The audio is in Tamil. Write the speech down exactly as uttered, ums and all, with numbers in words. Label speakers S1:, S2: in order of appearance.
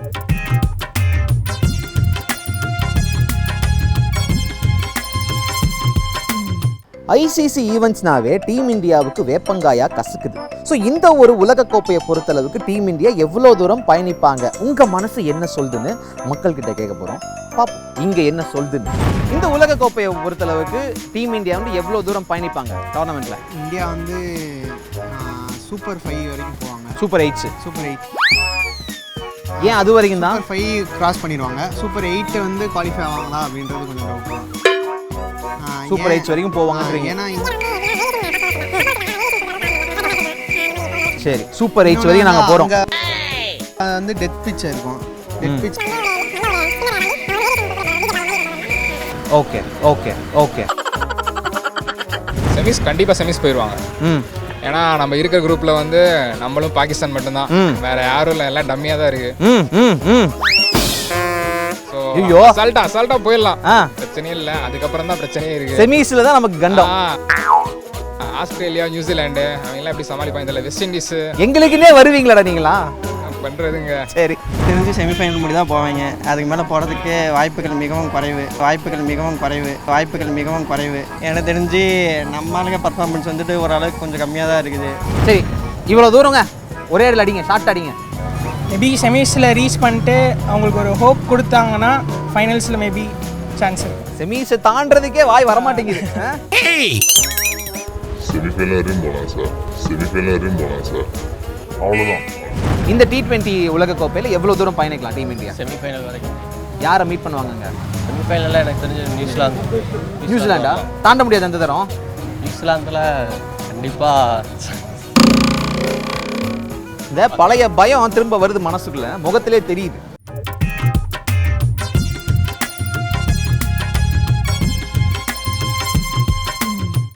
S1: ஐசிசி ஈவெண்ட்ஸ்னாவே டீம் இந்தியாவுக்கு வேப்பங்காயா கசக்குது. ஸோ இந்த ஒரு உலகக்கோப்பையை பொறுத்தளவுக்கு டீம் இந்தியா எவ்வளோ தூரம் பயணிப்பாங்க, உங்கள் மனசு என்ன சொல்லுதுன்னு மக்கள்கிட்ட கேட்க போகிறோம். பாப்போம் இங்கே என்ன சொல்லுதுன்னு. இந்த உலகக்கோப்பையை பொறுத்தளவுக்கு டீம் இந்தியா வந்து எவ்வளோ தூரம் பயணிப்பாங்க டோர்னமெண்ட்டில்?
S2: இந்தியா வந்து சூப்பர் ஃபைவ் வரைக்கும் போவாங்க.
S1: சூப்பர் எயிட்ஸு
S2: சூப்பர் எயிட்
S1: ஏன் அது வரைக்கும் தான்?
S2: சூப்பர் ஃபைவ் கிராஸ் பண்ணிடுவாங்க. சூப்பர் எயிட்டு வந்து குவாலிஃபை ஆவாங்களா அப்படின்றது கொஞ்சம் டவுட் தான்.
S1: சூப்பர் எயிட்ஸ் வரைக்கும் போவாங்க.
S2: ஏன்னா
S1: சரி, சூப்பர் எயிட்ஸ் வரைக்கும் நாங்கள் போகிறோம்.
S2: அது வந்து டெத் பிச் இருக்கும். Death pitch.
S1: Okay okay okay
S3: semis கண்டிப்பாக செமிஸ் போயிடுவாங்க.
S1: ம்
S3: ஏன்னா நம்ம இருக்கிற குரூப்பில் வந்து நம்மளும் பாகிஸ்தான் மட்டும்தான், வேற யாரும் இல்லை, எல்லாம் டம்மியாக தான் இருக்கு.
S1: ம் ம் ம்
S3: ஸோ
S1: ஐயோ
S3: அசால்ட்டா அசால்ட்டா போயிடலாம்,
S1: ஆ
S3: பிரச்சனையே இல்லை. அதுக்கப்புறம் தான் பிரச்சனையே இருக்கு.
S1: செமிஸ்ல தான் நமக்கு கண்டம்.
S3: ஆஸ்திரேலியா, நியூசிலாண்டு அவங்கெல்லாம் எப்படி சமாளிப்பாங்க தெரியல. வெஸ்ட் இண்டீஸ்
S1: எங்களுக்குன்னே வருவீங்களாடா நீங்களா?
S3: பண்ணுறதுங்க.
S1: சரி,
S4: தெரிஞ்சு செமிஃபைனல் முடி தான் போவாங்க. அதுக்கு மேலே போகிறதுக்கு வாய்ப்புகள் மிகவும் குறைவு வாய்ப்புகள் மிகவும் குறைவு வாய்ப்புகள் மிகவும் குறைவு எனக்கு தெரிஞ்சு நம்மளுக்கு பர்ஃபார்மன்ஸ் வந்துட்டு ஓரளவுக்கு கொஞ்சம் கம்மியாக தான் இருக்குது.
S1: சரி, இவ்வளோ தூரங்க ஒரே இடத்துல அடிங்க, ஷார்ட் அடிங்க.
S5: மேபி செமிஸில் ரீச் பண்ணிட்டு அவங்களுக்கு ஒரு ஹோப் கொடுத்தாங்கன்னா ஃபைனல்ஸில் மேபி சான்ஸ் இருக்குது.
S1: செமிஸை தாண்டதுக்கே வாய் வரமாட்டேங்குது.
S6: செமிஃபைனல் வரையும் போகலாம் சார், செமிஃபைனல் வரையும் போகலாம் சார், அவ்வளோதான்.
S1: இந்த டி ட்வெண்ட்டி உலகக்கோப்பையில் எவ்வளோ தூரம் பயணிக்கலாம் டீம் இந்தியா?
S7: செமிஃபைனல் வரைக்கும்.
S1: யாரை மீட் பண்ணுவாங்கங்க?
S7: செமிஃபைனலில் எனக்கு தெரிஞ்ச நியூசிலாந்து.
S1: நியூசிலாண்டா தாண்ட முடியாது அந்த தரம்?
S7: நியூசிலாந்தில் கண்டிப்பாக
S1: இந்த பழைய பயம் திரும்ப வருது மனசுக்குள்ள, முகத்திலே தெரியுது.